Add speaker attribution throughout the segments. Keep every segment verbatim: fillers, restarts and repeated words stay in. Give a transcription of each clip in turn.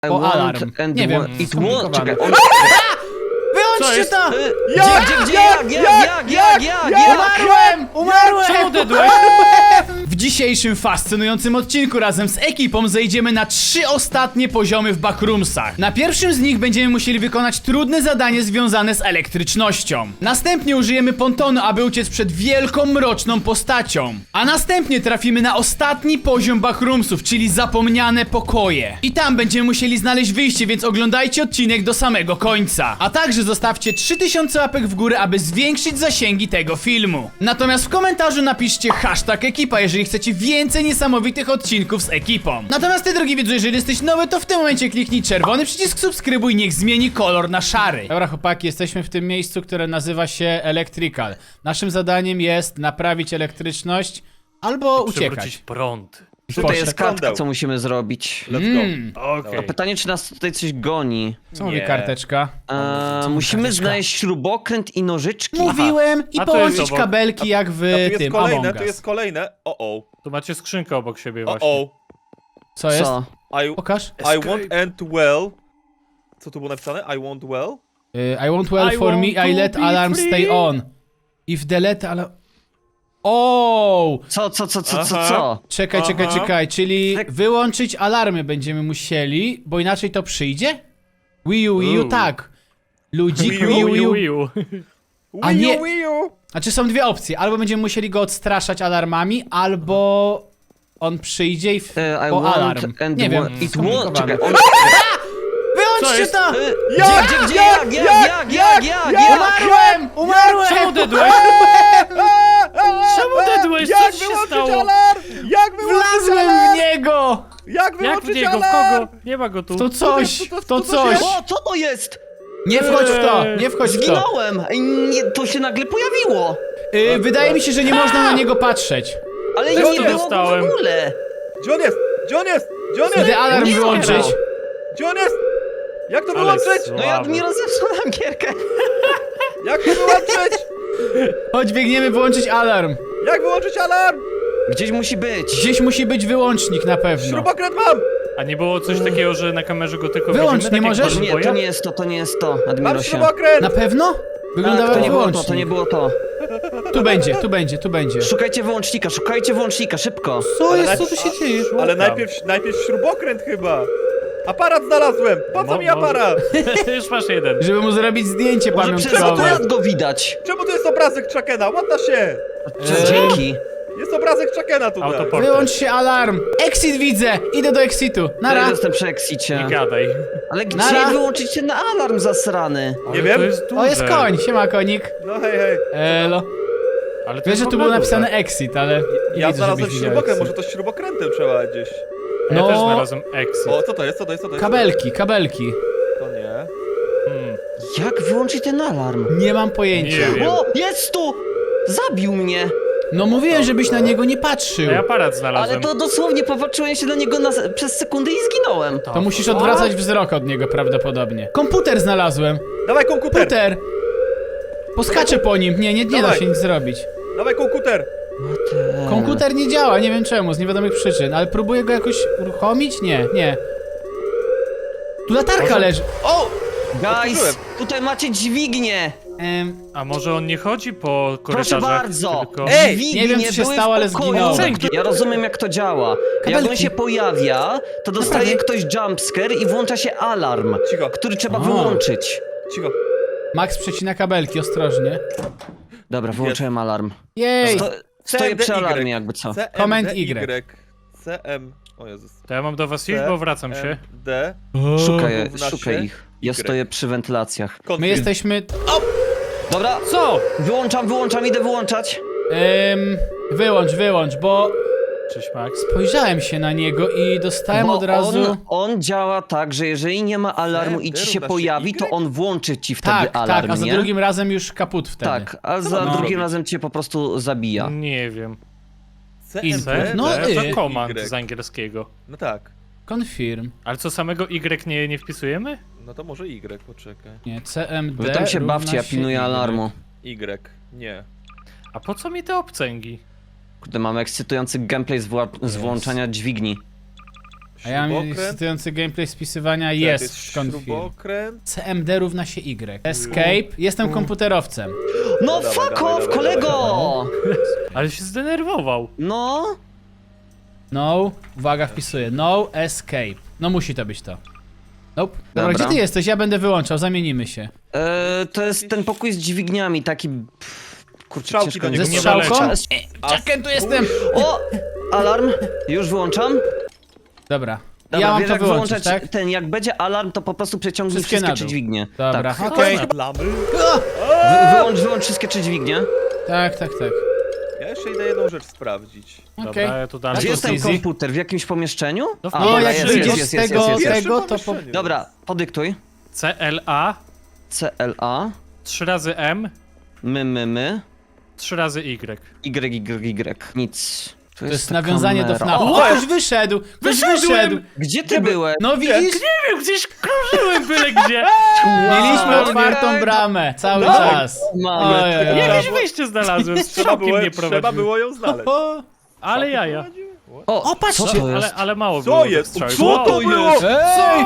Speaker 1: O alarm.
Speaker 2: And
Speaker 1: Nie wiem,
Speaker 2: It won't... Czekaj, on...
Speaker 1: Wyłączcie to!
Speaker 2: Gdzie, gdzie, gdzie, jak, jak, jak, jak, jak, jak?
Speaker 1: Umarłem! Umarłem!
Speaker 3: Czemu odedłeś?
Speaker 1: W dzisiejszym fascynującym odcinku razem z ekipą zejdziemy na trzy ostatnie poziomy w backroomsach. Na pierwszym z nich będziemy musieli wykonać trudne zadanie związane z elektrycznością. Następnie użyjemy pontonu, aby uciec przed wielką, mroczną postacią. A następnie trafimy na ostatni poziom backroomsów, czyli zapomniane pokoje. I tam będziemy musieli znaleźć wyjście, więc oglądajcie odcinek do samego końca. A także zostawcie trzy tysiące łapek w górę, aby zwiększyć zasięgi tego filmu. Natomiast w komentarzu napiszcie hashtag ekipa, jeżeli chcecie więcej niesamowitych odcinków z ekipą. Natomiast ty, drogi widzu, jeżeli jesteś nowy, to w tym momencie kliknij czerwony przycisk subskrybuj, niech zmieni kolor na szary. Dobra chłopaki, jesteśmy w tym miejscu, które nazywa się Electrical. Naszym zadaniem jest naprawić elektryczność albo
Speaker 3: Przywrócić
Speaker 1: uciekać.
Speaker 3: prąd.
Speaker 2: Tutaj jest
Speaker 1: Poszedł.
Speaker 2: kartka, co musimy zrobić.
Speaker 4: Let's go.
Speaker 1: Mm.
Speaker 3: Okej.
Speaker 2: A pytanie, czy nas tutaj coś goni?
Speaker 1: Co mówi
Speaker 4: Nie.
Speaker 1: karteczka?
Speaker 2: Eee, musimy
Speaker 1: karteczka?
Speaker 2: znaleźć śrubokręt i nożyczki.
Speaker 1: Mówiłem i
Speaker 3: A to jest
Speaker 1: połączyć
Speaker 3: obok.
Speaker 1: kabelki jak w
Speaker 4: A tu jest
Speaker 1: tym
Speaker 4: kolejne,
Speaker 1: Among
Speaker 4: tu
Speaker 1: Us.
Speaker 4: jest kolejne. O o.
Speaker 3: Tu macie skrzynkę obok siebie
Speaker 4: O
Speaker 3: właśnie.
Speaker 4: o.
Speaker 1: Co jest?
Speaker 2: Co?
Speaker 4: I,
Speaker 1: Pokaż.
Speaker 4: I want end well. Co tu było napisane? I want well?
Speaker 1: Y, I want well
Speaker 3: I
Speaker 1: for
Speaker 3: want
Speaker 1: me,
Speaker 3: to
Speaker 1: I let
Speaker 3: be
Speaker 1: alarm
Speaker 3: free.
Speaker 1: stay on. If the let alarm... O!
Speaker 2: Co, co, co, co, co,
Speaker 4: Aha.
Speaker 2: co?
Speaker 1: Czekaj, czekaj,
Speaker 4: Aha.
Speaker 1: czekaj, czyli
Speaker 2: Tak.
Speaker 1: wyłączyć alarmy będziemy musieli, bo inaczej to przyjdzie? Wii U, Wii U,
Speaker 3: Uuu.
Speaker 1: tak. Ludzik,
Speaker 4: Wii U,
Speaker 1: Wii U, Wii U.
Speaker 3: Wii U.
Speaker 1: A
Speaker 4: Wii
Speaker 1: nie-
Speaker 4: U, Wii U.
Speaker 1: Znaczy są dwie opcje, albo będziemy musieli go odstraszać alarmami, albo on przyjdzie i w...
Speaker 2: Eee, I
Speaker 1: po
Speaker 2: want
Speaker 1: alarm.
Speaker 2: and
Speaker 1: Nie wiem,
Speaker 2: wa- It won't...
Speaker 1: skomplikowane.
Speaker 2: Czekaj, on...
Speaker 1: Wyłączcie
Speaker 3: jest?
Speaker 1: to!
Speaker 2: Eee,
Speaker 4: Jak?
Speaker 2: Gdzie, gdzie,
Speaker 4: Jak?
Speaker 2: jak, jak, jak, jak, jak, jak?
Speaker 1: Umarłem! Umarłem!
Speaker 3: Czemu odedłeś? Czemu odedłeś? Co
Speaker 4: Jak
Speaker 3: ci się
Speaker 4: wyłączyć
Speaker 3: stało?
Speaker 4: alarm? Jak wyłączyć
Speaker 1: Wlazłem
Speaker 4: alarm?
Speaker 1: w niego!
Speaker 4: Jak
Speaker 3: Jak w
Speaker 4: wyłączyć
Speaker 3: niego? W
Speaker 4: alarm?
Speaker 3: kogo? Nie ma go tu.
Speaker 1: W to coś,
Speaker 4: to- to-
Speaker 1: w to
Speaker 4: to- to
Speaker 1: coś!
Speaker 4: się-
Speaker 2: O, co to jest?
Speaker 1: Nie wchodź w to, nie wchodź w to.
Speaker 2: Zginąłem! Ej, nie, to się nagle pojawiło!
Speaker 1: Y, wydaje mi się, że nie można na niego patrzeć.
Speaker 2: Ale
Speaker 4: Co
Speaker 2: nie
Speaker 4: to
Speaker 2: było go w
Speaker 3: dostałem?
Speaker 2: ogóle!
Speaker 4: Gdzie on jest? Gdzie on jest? Gdzie on
Speaker 1: Idę
Speaker 4: jest?
Speaker 1: alarm
Speaker 2: Nie
Speaker 1: wyłączyć.
Speaker 2: zbierał.
Speaker 4: Gdzie on jest? Jak to
Speaker 3: Ale
Speaker 4: wyłączyć?
Speaker 3: słabo.
Speaker 2: No ja mi rozepsułem gierkę.
Speaker 4: Jak to wyłączyć?
Speaker 1: Chodź, biegniemy wyłączyć alarm.
Speaker 4: Jak wyłączyć alarm?
Speaker 2: Gdzieś musi być.
Speaker 1: Gdzieś musi być wyłącznik na pewno.
Speaker 4: Śrubokręt mam!
Speaker 3: A nie było coś takiego, że na kamerze go tylko
Speaker 1: Wyłącz,
Speaker 3: widzimy?
Speaker 1: nie
Speaker 3: tak jak
Speaker 1: możesz?
Speaker 3: w
Speaker 2: Nie,
Speaker 3: Boja?
Speaker 2: to nie jest to, to nie jest to,
Speaker 4: Mam
Speaker 2: Admirosie.
Speaker 4: śrubokręt!
Speaker 1: Na pewno? Wyglądało
Speaker 2: To
Speaker 1: jak
Speaker 2: nie było to,
Speaker 1: wyłącznik.
Speaker 2: to nie było to.
Speaker 1: Tu będzie, tu będzie, tu będzie.
Speaker 2: Szukajcie wyłącznika, szukajcie wyłącznika, szybko.
Speaker 1: Co
Speaker 4: Ale
Speaker 1: jest, co
Speaker 4: najp-
Speaker 1: tu się dzieje?
Speaker 4: Ale najpierw, najpierw śrubokręt chyba. Aparat znalazłem! Po co
Speaker 3: Mo-
Speaker 4: mi
Speaker 3: może-
Speaker 4: aparat?
Speaker 3: Już masz jeden.
Speaker 1: Żeby mu zrobić zdjęcie
Speaker 2: Może przez
Speaker 1: pamiątkowe.
Speaker 2: akurat go widać.
Speaker 4: Czemu tu jest obrazek Chuckena? Łata się!
Speaker 2: Czy- Dzięki.
Speaker 4: Jest obrazek Chuckena tutaj.
Speaker 3: Autoport.
Speaker 1: Wyłącz się alarm. Exit widzę. Idę do exitu.
Speaker 2: Ja
Speaker 1: Nara.
Speaker 2: jestem przy exicie.
Speaker 3: Nie gadaj.
Speaker 2: Ale gdzie
Speaker 1: Nara.
Speaker 2: wyłączyć ten alarm zasrany?
Speaker 3: Ale
Speaker 4: wiem.
Speaker 3: To jest duże.
Speaker 1: O, jest koń. Siema, konik.
Speaker 4: No hej, hej.
Speaker 1: Elo.
Speaker 3: Ale to
Speaker 1: Wiesz,
Speaker 3: jest
Speaker 1: że
Speaker 3: w
Speaker 1: tu
Speaker 3: ogóle
Speaker 1: było napisane
Speaker 3: duże.
Speaker 1: exit, ale nie
Speaker 4: Ja
Speaker 1: widzę,
Speaker 4: znalazłem
Speaker 1: żebyś widział
Speaker 4: śrubokręt,
Speaker 1: exit.
Speaker 4: może to śrubokrętem trzeba gdzieś.
Speaker 3: Ja
Speaker 1: No.
Speaker 3: też znalazłem exit.
Speaker 4: O, co to jest, co to jest, co to jest?
Speaker 1: Kabelki, kabelki.
Speaker 4: To nie.
Speaker 3: Hmm.
Speaker 2: Jak wyłączyć ten alarm?
Speaker 1: Nie mam pojęcia.
Speaker 3: Nie wiem.
Speaker 2: O, jest tu! Zabił mnie!
Speaker 1: No mówiłem, żebyś na niego nie patrzył.
Speaker 3: A ja aparat
Speaker 2: Ale
Speaker 3: znalazłem.
Speaker 2: to dosłownie popatrzyłem się na niego na, przez sekundę i zginąłem.
Speaker 1: To musisz odwracać wzrok od niego prawdopodobnie. Komputer znalazłem.
Speaker 4: Dawaj komputer!
Speaker 1: Komputer! Poskaczę po nim. Nie, nie, nie da
Speaker 4: Dawaj.
Speaker 1: się nic zrobić.
Speaker 4: Dawaj komputer!
Speaker 1: Komputer nie działa, nie wiem czemu, z niewiadomych przyczyn, ale próbuję go jakoś uruchomić? Nie, nie. Tu latarka
Speaker 3: Może-
Speaker 1: leży. O!
Speaker 2: Guys,
Speaker 4: Otworzyłem.
Speaker 2: tutaj macie dźwignię!
Speaker 1: Em,
Speaker 3: A może on nie chodzi po
Speaker 2: Proszę
Speaker 3: korytarzach,
Speaker 2: bardzo!
Speaker 3: tylko...
Speaker 4: Ej!
Speaker 2: Dźwignie
Speaker 1: Nie wiem, co się
Speaker 2: były
Speaker 1: stało,
Speaker 2: w
Speaker 1: ale
Speaker 2: pokoju.
Speaker 1: zginąłem.
Speaker 2: Ja rozumiem, jak to działa. Jak on
Speaker 1: Kabelki.
Speaker 2: się pojawia, to dostaje
Speaker 1: Naprawdę?
Speaker 2: ktoś jumpscare i włącza się alarm,
Speaker 4: Cicho,
Speaker 2: który trzeba
Speaker 1: A.
Speaker 2: wyłączyć.
Speaker 4: cicho.
Speaker 1: Max przecina kabelki, ostrożnie.
Speaker 2: Dobra, wyłączyłem alarm.
Speaker 1: Jej!
Speaker 2: Sto, stoję przy
Speaker 4: C M D Y.
Speaker 2: alarmie, jakby co.
Speaker 4: C M D
Speaker 1: Command
Speaker 4: Y.
Speaker 1: Y.
Speaker 4: C M... O Jezus.
Speaker 3: To ja mam do was iść, bo wracam się.
Speaker 4: D.
Speaker 2: Szukaj,
Speaker 4: równa
Speaker 2: szukaj
Speaker 4: się
Speaker 2: ich. Ja
Speaker 4: Y.
Speaker 2: stoję przy wentylacjach.
Speaker 1: My jesteśmy...
Speaker 2: Dobra,
Speaker 3: Co?
Speaker 2: wyłączam, wyłączam, idę wyłączać.
Speaker 1: Ym, wyłącz, wyłącz, bo
Speaker 3: Cześć Max.
Speaker 1: spojrzałem się na niego i dostałem
Speaker 2: Bo
Speaker 1: od razu...
Speaker 2: on, on działa tak, że jeżeli nie ma alarmu i ci się
Speaker 4: równa się
Speaker 2: pojawi, to
Speaker 4: Y?
Speaker 2: on włączy ci wtedy
Speaker 1: Tak,
Speaker 2: alarm,
Speaker 1: tak, a za
Speaker 2: nie?
Speaker 1: drugim razem już kaput wtedy.
Speaker 2: Tak, a za
Speaker 4: mam
Speaker 2: drugim
Speaker 4: zrobić?
Speaker 2: razem cię po prostu zabija.
Speaker 3: Nie wiem.
Speaker 4: C
Speaker 1: I-
Speaker 4: M D
Speaker 1: no
Speaker 3: No,
Speaker 1: y.
Speaker 3: to komand
Speaker 4: Y.
Speaker 3: z angielskiego.
Speaker 4: No tak.
Speaker 1: Confirm.
Speaker 3: Ale co, samego Y nie, nie wpisujemy?
Speaker 4: No to może Y, poczekaj.
Speaker 1: Nie, C M D
Speaker 2: Wy tam się
Speaker 1: równa
Speaker 2: bawcie, ja
Speaker 1: się
Speaker 2: pilnuję
Speaker 1: Y.
Speaker 2: alarmu.
Speaker 4: Y. Nie.
Speaker 3: A po co mi te obcęgi?
Speaker 2: Kurde, mamy ekscytujący gameplay z, wła- z włączania dźwigni.
Speaker 1: A ja mam
Speaker 4: Śrubokręt.
Speaker 1: ekscytujący gameplay spisywania
Speaker 4: Tak,
Speaker 1: jest
Speaker 4: jest
Speaker 1: w config.
Speaker 4: śrubokręt.
Speaker 1: C M D równa się Y. Escape. Jestem komputerowcem.
Speaker 2: No
Speaker 4: Dawaj,
Speaker 2: fuck
Speaker 4: dawaj,
Speaker 2: off,
Speaker 4: dawaj,
Speaker 2: kolego!
Speaker 3: Ale się zdenerwował.
Speaker 2: No.
Speaker 1: No. Uwaga, wpisuję. No escape. No musi to być to. Nope. Dobra,
Speaker 2: Dobra.
Speaker 1: gdzie ty jesteś? Ja będę wyłączał, zamienimy się.
Speaker 2: E, to jest ten pokój z dźwigniami, taki... Pff, kurczę,
Speaker 4: Strzałki
Speaker 2: ciężko
Speaker 4: do
Speaker 2: mi
Speaker 1: Ze
Speaker 4: niego nie
Speaker 1: strzałką?
Speaker 3: doleciał.
Speaker 1: Czekaj, tu jestem!
Speaker 2: O! Alarm! Już wyłączam.
Speaker 1: Dobra.
Speaker 2: Dobra,
Speaker 1: ja mam
Speaker 2: wiesz,
Speaker 1: to
Speaker 2: jak
Speaker 1: wyłączyć,
Speaker 2: wyłączać
Speaker 1: tak?
Speaker 2: ten, jak będzie alarm, to po prostu przeciągnij
Speaker 1: Wszystkie
Speaker 2: wszystkie,
Speaker 1: na
Speaker 2: trzy
Speaker 1: dół.
Speaker 2: dźwignie.
Speaker 1: Dobra,
Speaker 2: Tak.
Speaker 1: okej.
Speaker 4: Lamy.
Speaker 2: Wy, wyłącz, wyłącz wszystkie trzy dźwignie.
Speaker 1: Tak, tak, tak.
Speaker 4: Ja jeszcze idę jedną rzecz sprawdzić.
Speaker 1: Okej.
Speaker 3: Dobra, ja tu
Speaker 2: A
Speaker 3: dalej.
Speaker 2: gdzie
Speaker 1: to
Speaker 2: jest ten
Speaker 1: easy.
Speaker 2: komputer? W jakimś pomieszczeniu?
Speaker 3: No w
Speaker 2: A,
Speaker 1: No,
Speaker 2: dobra,
Speaker 1: jak
Speaker 3: jest,
Speaker 1: wyjdziesz
Speaker 3: jest,
Speaker 1: z
Speaker 2: jest,
Speaker 1: tego,
Speaker 2: jest, jest.
Speaker 1: tego, to po...
Speaker 4: pomieszczeniu.
Speaker 2: Dobra, podyktuj.
Speaker 3: C L A,
Speaker 2: C L A,
Speaker 3: trzy razy M,
Speaker 2: my, my, my,
Speaker 3: trzy razy Y.
Speaker 2: Y, Y, Y. Nic. Tu
Speaker 1: To jest
Speaker 2: ta
Speaker 1: nawiązanie do
Speaker 2: kamera.
Speaker 1: FNAF.
Speaker 2: O,
Speaker 1: O, ktoś wyszedł! Ktoś
Speaker 3: Wyszedłem!
Speaker 1: wyszedł!
Speaker 2: gdzie ty byłeś?
Speaker 1: No widzisz?
Speaker 3: Nie wiem, gdzieś krążyłem byle gdzie.
Speaker 1: Mieliśmy
Speaker 2: Wow,
Speaker 1: otwartą
Speaker 2: nie.
Speaker 1: bramę cały
Speaker 4: Tak.
Speaker 1: czas.
Speaker 2: Mamy.
Speaker 1: Ojej, ojej.
Speaker 3: Jakieś wyjście znalazłem,
Speaker 4: Trzeba
Speaker 3: strzałkiem
Speaker 4: było,
Speaker 3: nie
Speaker 4: trzeba
Speaker 3: prowadziłem.
Speaker 4: było ją znaleźć.
Speaker 1: O,
Speaker 3: Ale jaja.
Speaker 2: O,
Speaker 1: O, patrzcie.
Speaker 2: co to
Speaker 3: Ale,
Speaker 2: jest?
Speaker 3: ale mało
Speaker 4: Co
Speaker 3: było tych
Speaker 4: jest?
Speaker 3: strzałek.
Speaker 4: Co
Speaker 3: Wow.
Speaker 4: to było?
Speaker 1: Ej!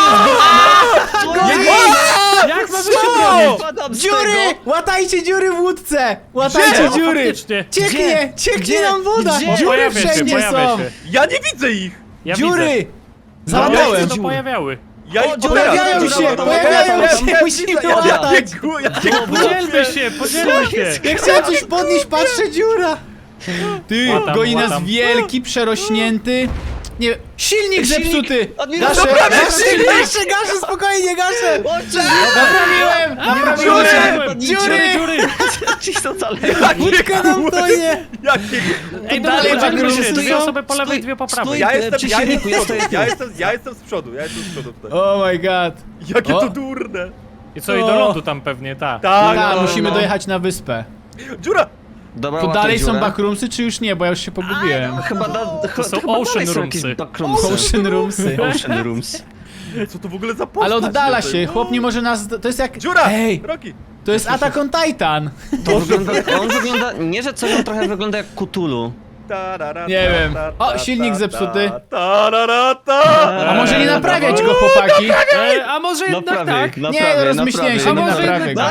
Speaker 3: Jak mamy się bronić?
Speaker 2: Padam z
Speaker 1: Dziury!
Speaker 2: tego.
Speaker 1: Łatajcie dziury w łódce! Łatajcie
Speaker 3: O,
Speaker 1: dziury!
Speaker 3: faktycznie.
Speaker 1: Cieknie! Cieknie
Speaker 2: Gdzie?
Speaker 1: nam woda!
Speaker 2: Gdzie?
Speaker 1: Dziury
Speaker 3: Pojawia się,
Speaker 1: wszędzie
Speaker 3: pojawia
Speaker 1: są!
Speaker 3: się.
Speaker 4: Ja nie widzę ich!
Speaker 3: Ja
Speaker 1: Dziury!
Speaker 3: widzę.
Speaker 1: Załatałem!
Speaker 3: No, to pojawiały.
Speaker 4: Ja
Speaker 2: O,
Speaker 4: ich
Speaker 2: dziura,
Speaker 1: Pojawiają
Speaker 2: dziura,
Speaker 1: się!
Speaker 2: dziura,
Speaker 1: Pojawiają
Speaker 2: dziura,
Speaker 1: się!
Speaker 2: dziura,
Speaker 1: Musimy
Speaker 4: Ja
Speaker 1: łatać!
Speaker 4: bieguję, ja bieguję.
Speaker 3: Podzielmy się, podzielmy się.
Speaker 1: Ja chciałem coś podnieść, patrzę, dziura! Ty,
Speaker 3: Łatam,
Speaker 1: goni nas
Speaker 3: łatam.
Speaker 1: wielki, przerośnięty... Nie, silnik
Speaker 2: Silnik!
Speaker 1: zepsuty!
Speaker 2: Admin-
Speaker 1: Gaszę,
Speaker 2: Naprawię
Speaker 1: gaszę,
Speaker 2: silnik!
Speaker 1: gaszę, gaszę, spokojnie, gaszę!
Speaker 2: Oczy!
Speaker 1: Naprawiłem! Naprawiłem!
Speaker 3: Dziury,
Speaker 1: Dziury!
Speaker 3: dziury.
Speaker 2: Ci są dalej.
Speaker 1: Łódka nam tonie!
Speaker 4: Jakie...
Speaker 3: Ej,
Speaker 1: dalej
Speaker 3: dalej,
Speaker 1: tak
Speaker 3: podzielmy się.
Speaker 1: stój-
Speaker 3: Dwie osoby po
Speaker 2: stój-
Speaker 3: lewej, dwie po prawej.
Speaker 2: stój.
Speaker 4: Ja jestem,
Speaker 2: Przy
Speaker 4: ja jestem
Speaker 2: silniku, ja
Speaker 4: z przodu,
Speaker 2: stoję tu.
Speaker 4: ja jestem, ja jestem z przodu, ja jestem z przodu tutaj.
Speaker 1: Oh my god!
Speaker 4: Jakie
Speaker 1: O.
Speaker 4: to durne!
Speaker 3: I co, i do lądu tam pewnie, tak.
Speaker 4: Tak,
Speaker 1: Tak,
Speaker 4: no,
Speaker 1: musimy
Speaker 4: no.
Speaker 1: dojechać na wyspę.
Speaker 4: Dziura!
Speaker 2: Dobra,
Speaker 1: Tu
Speaker 2: łatę
Speaker 1: dalej są
Speaker 2: dziurę.
Speaker 1: backroomsy, czy już nie? Bo ja już się pogubiłem.
Speaker 2: Chyba, da, to
Speaker 3: są
Speaker 2: chyba
Speaker 3: ocean
Speaker 2: dalej są
Speaker 3: roomsy.
Speaker 2: jakieś backroomsy.
Speaker 1: Ocean roomsy.
Speaker 2: Ocean rooms.
Speaker 4: Co to w ogóle za postać?
Speaker 1: Ale oddala
Speaker 4: jest?
Speaker 1: się, chłop nie może nas... To jest jak...
Speaker 4: Dziura!
Speaker 1: Ej,
Speaker 4: Rocky!
Speaker 1: to jest Attack on Titan!
Speaker 2: To wygląda, on wygląda, nie że coś, on trochę wygląda jak Cthulhu.
Speaker 4: Tarara,
Speaker 1: Nie wiem.
Speaker 4: ta,
Speaker 1: O,
Speaker 4: ta,
Speaker 1: silnik
Speaker 4: ta,
Speaker 1: zepsuty.
Speaker 4: ta, tarara, ta.
Speaker 1: A może nie naprawiać go, chłopaki?
Speaker 3: E, a może jednak tak?
Speaker 1: Nie, no rozmyśliłem się,
Speaker 3: A
Speaker 1: nie
Speaker 3: może
Speaker 1: naprawię go.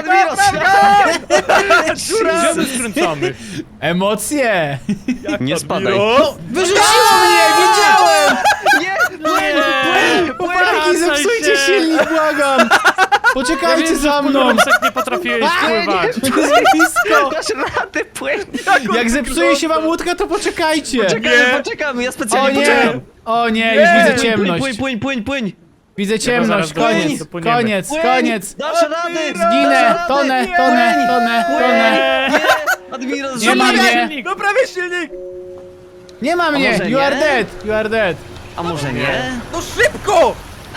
Speaker 3: Gdzie my skręcamy?
Speaker 1: Emocje!
Speaker 4: Jak
Speaker 2: Nie
Speaker 4: to
Speaker 2: spadaj.
Speaker 4: biro?
Speaker 1: Wyrzuciło mnie, wiedziałem!
Speaker 2: Nie,
Speaker 3: Nie!
Speaker 1: Chłopaki,
Speaker 3: Wracaj
Speaker 1: zepsujcie
Speaker 3: się.
Speaker 1: silnik, błagam! Poczekajcie za mną!
Speaker 3: Jak nie potrafiłeś pływać.
Speaker 1: To jest blisko!
Speaker 2: dasz radę, płyń.
Speaker 1: Jak zepsuje się wam łódka, to poczekajcie!
Speaker 2: Poczekamy,
Speaker 4: Nie.
Speaker 2: poczekamy, ja
Speaker 1: O
Speaker 2: specjalnie
Speaker 1: nie!
Speaker 2: poczekam.
Speaker 1: O nie,
Speaker 4: Nie.
Speaker 1: już widzę
Speaker 2: Płyń,
Speaker 1: ciemność.
Speaker 2: płyń, płyń, płyń, płyń.
Speaker 1: Widzę ciemność,
Speaker 3: zaraz
Speaker 1: koniec,
Speaker 3: dojdziemy, dopłyniemy.
Speaker 1: koniec,
Speaker 2: Płyń.
Speaker 1: koniec!
Speaker 2: Dasz radę.
Speaker 1: Zginę,
Speaker 2: dasz radę.
Speaker 1: tonę,
Speaker 2: Nie.
Speaker 1: tonę, tonę, tonę!
Speaker 2: Nie, Admiral,
Speaker 1: Nie ma
Speaker 2: zrzucaj.
Speaker 1: mnie!
Speaker 4: Naprawię silnik!
Speaker 1: Nie ma mnie!
Speaker 2: może
Speaker 1: You are
Speaker 2: nie?
Speaker 1: dead! You are dead!
Speaker 2: A może nie?
Speaker 4: No szybko!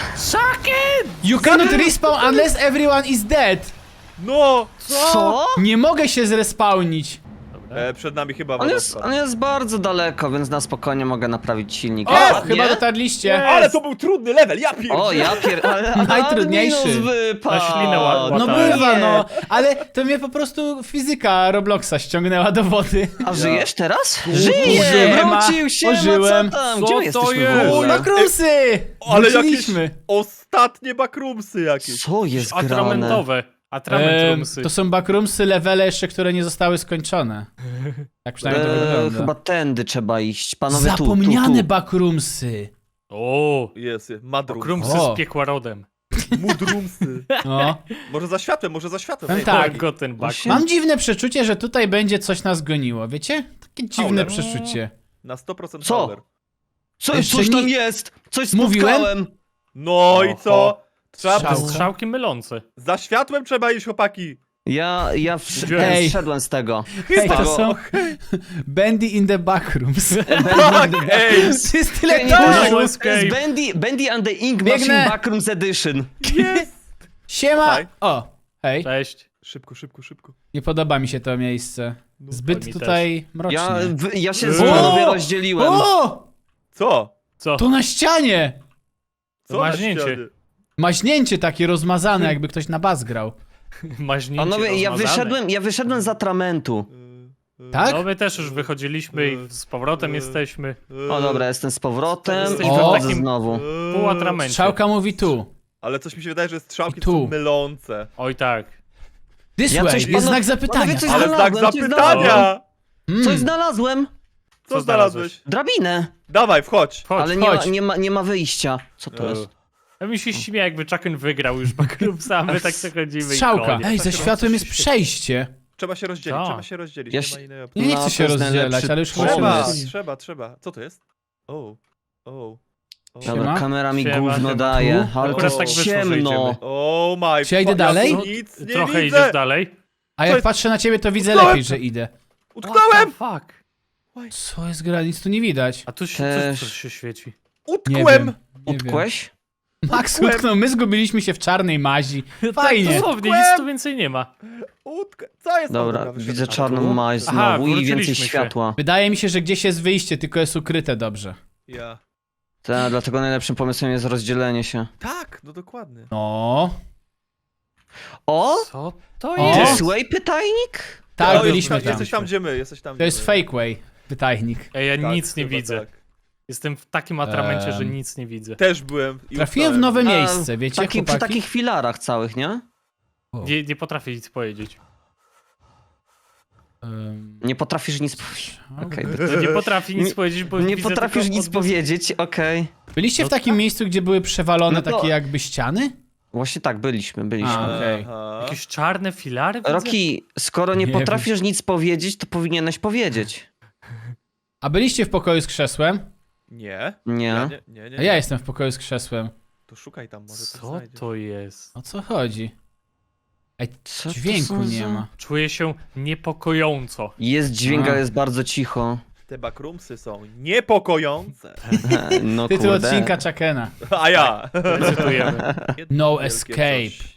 Speaker 1: You cannot respawn unless everyone is dead!
Speaker 4: No!
Speaker 2: Co?
Speaker 1: Nie mogę się zrespawnić!
Speaker 4: E, przed nami chyba
Speaker 2: On jest,
Speaker 4: wodospad.
Speaker 2: on jest bardzo daleko, więc na spokojnie mogę naprawić silnik.
Speaker 1: O!
Speaker 2: A,
Speaker 1: Chyba
Speaker 2: nie?
Speaker 1: dotarliście!
Speaker 4: Ale to był trudny level, ja pierdolę!
Speaker 2: O, ja pier... ale- ale
Speaker 1: Najtrudniejszy.
Speaker 2: Adminus wypadł.
Speaker 3: Na ślinę ła-
Speaker 1: No
Speaker 3: łatałem.
Speaker 1: bywa,
Speaker 2: Nie.
Speaker 1: no! Ale to mnie po prostu fizyka Robloxa ściągnęła do wody.
Speaker 2: A żyjesz teraz?
Speaker 1: Żyję,
Speaker 2: Żyję!
Speaker 1: ma-
Speaker 2: Wrócił się,
Speaker 1: ożyłem.
Speaker 2: co tam?
Speaker 3: Co
Speaker 2: Gdzie my
Speaker 3: to
Speaker 2: jesteśmy
Speaker 3: jest?
Speaker 2: w ogóle?
Speaker 1: Makrusy!
Speaker 4: Ale jakieś
Speaker 1: Wróciliśmy.
Speaker 4: ostatnie backroomsy jakieś.
Speaker 2: Co jest grane?
Speaker 3: Atramentowe. Atrament
Speaker 1: Em,
Speaker 3: roomsy.
Speaker 1: to są backroomsy, levele jeszcze, które nie zostały skończone. Tak przynajmniej to
Speaker 2: Eee,
Speaker 1: wygląda.
Speaker 2: chyba tędy trzeba iść. Panowie, tu, tu,
Speaker 1: Zapomniane
Speaker 2: tu.
Speaker 1: backroomsy.
Speaker 3: O!
Speaker 4: Jest, jest. Madroom.
Speaker 3: Krumsy
Speaker 1: O.
Speaker 3: z piekła rodem.
Speaker 4: Mudroomsy.
Speaker 1: No.
Speaker 4: Może za światłem, może za światłem.
Speaker 1: Powiem
Speaker 4: Ej,
Speaker 1: tak.
Speaker 3: Goten back.
Speaker 2: Właśnie-
Speaker 1: Mam dziwne przeczucie, że tutaj będzie coś nas goniło, wiecie? Takie dziwne
Speaker 4: Howler.
Speaker 1: przeczucie.
Speaker 4: Na sto procent
Speaker 2: Co?
Speaker 4: Howler.
Speaker 2: Co,
Speaker 1: Jeszcze
Speaker 2: coś tam
Speaker 1: nie-
Speaker 2: jest! Coś
Speaker 1: Mówiłem?
Speaker 2: spotkałem!
Speaker 4: No i co?
Speaker 3: Oho.
Speaker 4: Trzeba...
Speaker 1: Strzał.
Speaker 3: Strzałki mylące.
Speaker 4: Za światłem trzeba iść, chłopaki.
Speaker 2: Ja, ja wsz...
Speaker 1: Ej.
Speaker 2: wszedłem z tego.
Speaker 1: Hej, to
Speaker 2: Tego-
Speaker 1: są Bendy in the backrooms.
Speaker 4: Tak, ej!
Speaker 1: To jest tyle
Speaker 2: Nie, to
Speaker 1: dużo.
Speaker 2: jest Bendy, Bendy and the Ink
Speaker 1: Biegnę.
Speaker 2: Machine Backrooms Edition.
Speaker 4: Jest!
Speaker 1: Siema!
Speaker 4: Hej.
Speaker 1: O, hej.
Speaker 3: Cześć.
Speaker 4: Szybko, szybko, szybko.
Speaker 1: Nie podoba mi się to miejsce.
Speaker 3: mi
Speaker 1: Zbyt
Speaker 3: też.
Speaker 1: tutaj mrocznie.
Speaker 2: Ja, w, ja się z
Speaker 3: O!
Speaker 2: panowie rozdzieliłem.
Speaker 1: O!
Speaker 4: Co?
Speaker 3: Co?
Speaker 1: To na ścianie!
Speaker 4: Co
Speaker 3: To
Speaker 4: na
Speaker 3: maźnięcie.
Speaker 4: ścianie?
Speaker 1: Maźnięcie takie rozmazane, jakby ktoś na bas grał.
Speaker 3: Maźnięcie
Speaker 2: Panowie, ja
Speaker 3: rozmazane.
Speaker 2: wyszedłem, ja wyszedłem z atramentu.
Speaker 4: Y,
Speaker 1: Tak?
Speaker 3: No my też już wychodziliśmy i z powrotem jesteśmy.
Speaker 2: O dobra, jestem z powrotem i
Speaker 3: Jesteśmy
Speaker 1: w
Speaker 2: wchodzę
Speaker 3: takim-
Speaker 2: znowu.
Speaker 3: Pół atramencie.
Speaker 1: Strzałka mówi tu.
Speaker 4: Ale coś mi się wydaje, że strzałki
Speaker 1: I tu.
Speaker 4: są mylące.
Speaker 3: Oj tak.
Speaker 1: This
Speaker 2: Ja
Speaker 1: way,
Speaker 2: coś-
Speaker 1: jest
Speaker 2: panowie-
Speaker 1: znak zapytania.
Speaker 2: panowie, coś
Speaker 4: Ale znak
Speaker 2: znalazłem, coś
Speaker 4: zapytania!
Speaker 1: Mm.
Speaker 2: Coś znalazłem!
Speaker 4: Co
Speaker 3: Co
Speaker 4: znalazłeś?
Speaker 2: Drabinę!
Speaker 4: Dawaj, wchodź.
Speaker 3: Chodź,
Speaker 2: Ale nie ma,
Speaker 1: chodź.
Speaker 2: nie, ma, nie ma wyjścia. Co to jest?
Speaker 3: Ja mi się śmieje, jakby Chucken wygrał już Backroomsa, a my tak sobie chodzimy i
Speaker 1: Strzałka.
Speaker 3: koniec.
Speaker 1: Ej, za światłem jest przejście.
Speaker 4: Trzeba się rozdzielić,
Speaker 3: Co?
Speaker 4: trzeba się rozdzielić.
Speaker 2: Ja
Speaker 4: nie
Speaker 2: się-
Speaker 4: ma innej opcji.
Speaker 1: Nie, nie
Speaker 2: No,
Speaker 1: chcę się
Speaker 2: to jest
Speaker 1: rozdzielać,
Speaker 2: najlepszy
Speaker 1: ale już chyba się
Speaker 4: Trzeba,
Speaker 2: pomysł.
Speaker 4: trzeba, trzeba. Co to jest? O, o, o.
Speaker 1: Siema.
Speaker 2: Dobra, kamera mi
Speaker 3: Siema,
Speaker 2: gówno
Speaker 3: siema.
Speaker 2: daje,
Speaker 1: Tu?
Speaker 2: ale to
Speaker 3: Akurat
Speaker 2: jest
Speaker 3: tak wyszło, że
Speaker 2: ciemno.
Speaker 3: idziemy.
Speaker 4: Oh my
Speaker 1: Czy ja idę
Speaker 4: fuck,
Speaker 1: dalej?
Speaker 4: tu nic nie
Speaker 3: Trochę
Speaker 4: widzę.
Speaker 3: idziesz dalej.
Speaker 1: A jak
Speaker 4: jest?
Speaker 1: patrzę na ciebie, to widzę
Speaker 4: Utknąłem!
Speaker 1: lepiej, że idę.
Speaker 4: Utknąłem!
Speaker 3: What the fuck?
Speaker 1: Co jest gra? Nic tu nie widać.
Speaker 3: A tu się,
Speaker 2: Też.
Speaker 3: coś, coś się świeci.
Speaker 1: Nie
Speaker 4: Utkłem!
Speaker 1: wiem. Nie wiem.
Speaker 2: Utkłeś?
Speaker 1: Max
Speaker 4: Utkłem.
Speaker 1: utknął, my zgubiliśmy się w czarnej mazi. Fajnie.
Speaker 3: Dosłownie, nic tu więcej nie ma.
Speaker 4: Utk... Co jest? O,
Speaker 2: Dobra,
Speaker 4: wyszedłem.
Speaker 2: widzę
Speaker 3: A
Speaker 2: czarną
Speaker 3: tu?
Speaker 2: maź
Speaker 3: Aha,
Speaker 2: znowu i więcej
Speaker 3: wróciliśmy się.
Speaker 2: światła.
Speaker 1: Wydaje mi się, że gdzieś jest wyjście, tylko jest ukryte dobrze.
Speaker 4: Ja.
Speaker 2: Ta, dlatego najlepszym pomysłem jest rozdzielenie się.
Speaker 4: Tak, no dokładnie.
Speaker 1: No.
Speaker 2: O!
Speaker 3: Co to
Speaker 1: O!
Speaker 3: jest?
Speaker 2: This way pytajnik?
Speaker 1: Tak,
Speaker 4: No,
Speaker 1: byliśmy
Speaker 4: jesteś,
Speaker 1: tam.
Speaker 4: Jesteś tam, gdzie my, jesteś tam,
Speaker 1: To
Speaker 4: gdzie
Speaker 1: jest
Speaker 4: my.
Speaker 1: fake way. Pytajnik.
Speaker 3: Ej, ja
Speaker 4: Tak,
Speaker 3: nic nie
Speaker 4: chyba
Speaker 3: widzę.
Speaker 4: tak.
Speaker 3: Jestem w takim atramencie, że
Speaker 1: Em.
Speaker 3: nic nie widzę.
Speaker 4: Też byłem i
Speaker 1: Trafiłem w
Speaker 4: utknąłem.
Speaker 1: nowe
Speaker 2: A,
Speaker 1: miejsce, wiecie,
Speaker 2: Taki, przy
Speaker 1: chłopaki?
Speaker 2: takich filarach całych, nie?
Speaker 3: Nie, nie potrafię nic powiedzieć.
Speaker 1: Ym,
Speaker 2: Nie potrafisz nic powiedzieć. Okej,
Speaker 3: Nie potrafię nic
Speaker 2: Nie-
Speaker 3: powiedzieć, bo
Speaker 2: nie
Speaker 3: widzę
Speaker 2: potrafisz
Speaker 3: tylko
Speaker 2: nic
Speaker 3: odbis-
Speaker 2: powiedzieć, okej.
Speaker 1: Byliście w takim miejscu, gdzie były przewalone
Speaker 2: No to-
Speaker 1: takie jakby ściany?
Speaker 2: Właśnie tak, byliśmy, byliśmy.
Speaker 1: A. Okej.
Speaker 4: Aha.
Speaker 3: Jakieś czarne filary widzę?
Speaker 2: Roki, skoro nie,
Speaker 1: Nie
Speaker 2: potrafisz nic powiedzieć, to powinieneś powiedzieć.
Speaker 1: A byliście w pokoju z krzesłem?
Speaker 4: Nie.
Speaker 2: Nie.
Speaker 4: Ja nie, nie, nie,
Speaker 1: A
Speaker 4: nie.
Speaker 1: ja jestem w pokoju z krzesłem.
Speaker 4: To szukaj tam, może coś
Speaker 3: Co
Speaker 4: znajdziesz.
Speaker 3: to jest?
Speaker 1: O co chodzi? Ej,
Speaker 2: Co to
Speaker 1: dźwięku
Speaker 2: są
Speaker 1: nie
Speaker 2: za-
Speaker 1: ma.
Speaker 3: Czuję się niepokojąco.
Speaker 2: Jest dźwięk,
Speaker 1: A.
Speaker 2: ale jest bardzo cicho.
Speaker 4: Te backroomsy są niepokojące.
Speaker 2: No
Speaker 1: Tytuł
Speaker 2: kurde.
Speaker 1: odcinka Chuckena.
Speaker 4: A ja.
Speaker 3: Recytujemy.
Speaker 4: Jedno
Speaker 1: No
Speaker 4: wielkie
Speaker 1: escape.
Speaker 4: coś.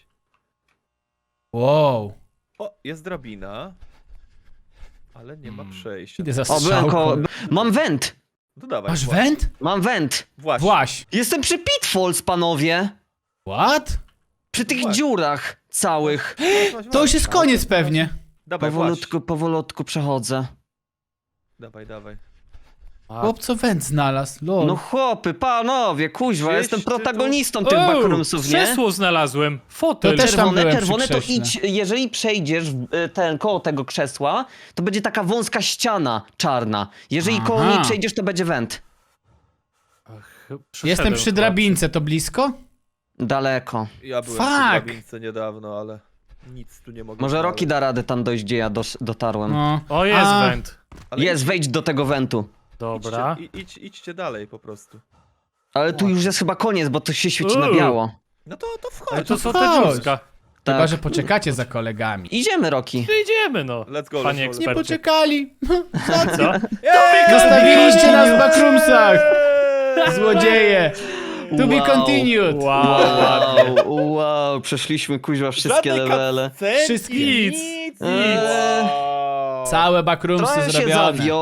Speaker 1: Wow.
Speaker 4: O, jest drabina. Ale nie ma
Speaker 3: Hmm.
Speaker 4: przejścia.
Speaker 1: Idę za
Speaker 2: O, byłem koło...
Speaker 1: strzałką.
Speaker 2: Mam węd!
Speaker 4: No dawaj.
Speaker 1: Masz
Speaker 4: właśnie.
Speaker 1: węd?
Speaker 2: Mam węd!
Speaker 4: Właśnie.
Speaker 1: Właś.
Speaker 2: Jestem przy Pitfalls, panowie!
Speaker 1: What?
Speaker 2: Przy tych
Speaker 4: Właśnie.
Speaker 2: dziurach całych.
Speaker 4: Właśnie, właśnie,
Speaker 1: To już jest
Speaker 4: właśnie.
Speaker 1: koniec pewnie.
Speaker 4: Dawaj,
Speaker 2: Powolutku, powolutku przechodzę.
Speaker 4: Dawaj, dawaj.
Speaker 3: A,
Speaker 1: Chłop co węd znalazł, lol.
Speaker 2: No chłopy, panowie, kuźwa,
Speaker 4: Gdzieś
Speaker 2: jestem
Speaker 4: ty tu-
Speaker 2: protagonistą tych
Speaker 3: O,
Speaker 2: backroomsów, nie?
Speaker 3: krzesło znalazłem. Fotel.
Speaker 1: To też tam
Speaker 2: Czerwone,
Speaker 1: byłem przy
Speaker 2: czerwone to
Speaker 1: krześle.
Speaker 2: idź, jeżeli przejdziesz w- y, ten, koło tego krzesła, to będzie taka wąska ściana czarna. Jeżeli koło
Speaker 1: Aha.
Speaker 2: niej przejdziesz, to będzie węd.
Speaker 3: Ach,
Speaker 1: Jestem
Speaker 3: przeszedłem
Speaker 1: przy
Speaker 3: chyba.
Speaker 1: drabince, to blisko?
Speaker 2: Daleko.
Speaker 4: Ja byłem
Speaker 1: Fuck.
Speaker 4: w drabince niedawno, ale nic tu nie mogę
Speaker 2: Może
Speaker 4: znaleźć.
Speaker 2: Roki da radę tam dojść, gdzie ja dos- dotarłem.
Speaker 1: No.
Speaker 3: O, jest
Speaker 1: A,
Speaker 3: węd.
Speaker 4: Ale
Speaker 2: Jest, wejdź do tego wentu.
Speaker 3: Dobra.
Speaker 4: Idźcie, i- idź, idźcie dalej po prostu.
Speaker 2: Ale tu już jest chyba koniec, bo to się świeci na
Speaker 3: Uuu.
Speaker 2: biało.
Speaker 4: No to, to wchodź.
Speaker 3: Ale to są te
Speaker 1: chodź.
Speaker 3: dziurska.
Speaker 1: Chyba,
Speaker 2: Tak.
Speaker 1: że poczekacie za kolegami.
Speaker 2: Idziemy, Roki.
Speaker 3: To idziemy, no.
Speaker 4: Let's go,
Speaker 3: Panie
Speaker 4: let's go.
Speaker 1: Nie
Speaker 3: ekspercie.
Speaker 1: poczekali.
Speaker 3: Co?
Speaker 1: Zostawiliście nas w backroomsach. Złodzieje. To be
Speaker 2: Wow.
Speaker 1: continued.
Speaker 3: Wow.
Speaker 2: Wow, wow, przeszliśmy kuźwa wszystkie
Speaker 4: Żadnej
Speaker 2: levele.
Speaker 4: cutscenki,
Speaker 1: Wszystkie.
Speaker 4: Nic, nic.
Speaker 2: Eee.
Speaker 4: Wow.
Speaker 1: Całe backroomsy
Speaker 2: Trochę się
Speaker 1: zrobione.
Speaker 2: zawiodłem.